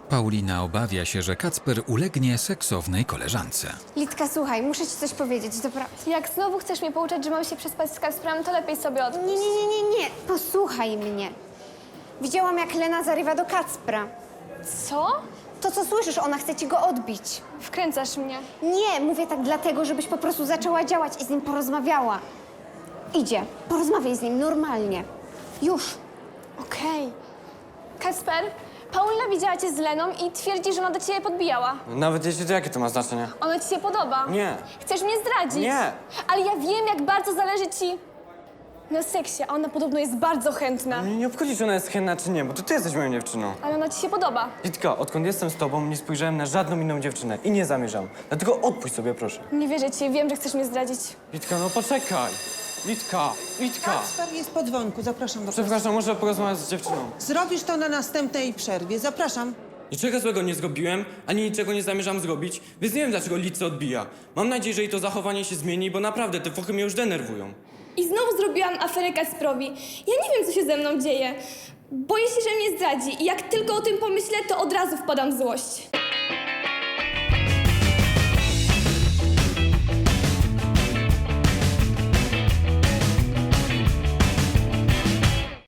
Paulina obawia się, że Kacper ulegnie seksownej koleżance. Litka, słuchaj, muszę ci coś powiedzieć, dobra? Jak znowu chcesz mnie pouczać, że mam się przespać z Kacprem, to lepiej sobie odpuść. Nie, posłuchaj mnie. Widziałam, jak Lena zarywa do Kacpra. Co? To, co słyszysz, ona chce ci go odbić. Wkręcasz mnie. Nie, mówię tak dlatego, żebyś po prostu zaczęła działać i z nim porozmawiała. Idzie, porozmawiaj z nim normalnie. Już. Okej. Kacper, Paulina widziała cię z Leną i twierdzi, że ona do ciebie podbijała. Nawet jeśli to jakie to ma znaczenie? Ona ci się podoba. Nie. Chcesz mnie zdradzić. Nie. Ale ja wiem, jak bardzo zależy ci na seksie, a ona podobno jest bardzo chętna. Mnie nie obchodzi, czy ona jest chętna, czy nie, bo to ty jesteś moją dziewczyną. Ale ona ci się podoba. Litka, odkąd jestem z tobą, nie spojrzałem na żadną inną dziewczynę i nie zamierzam. Dlatego odpuść sobie, proszę. Nie wierzę ci, wiem, że chcesz mnie zdradzić. Litka, no poczekaj. Litka. Kacper jest po dzwonku, zapraszam do Przepraszam, muszę porozmawiać z dziewczyną. Zrobisz to na następnej przerwie, zapraszam. Niczego złego nie zrobiłem, ani niczego nie zamierzam zrobić, więc nie wiem, dlaczego Lidce odbija. Mam nadzieję, że jej to zachowanie się zmieni, bo naprawdę te fochy mnie już denerwują. I znowu zrobiłam aferę Kacprowi. Ja nie wiem, co się ze mną dzieje. Boję się, że mnie zdradzi i jak tylko o tym pomyślę, to od razu wpadam w złość.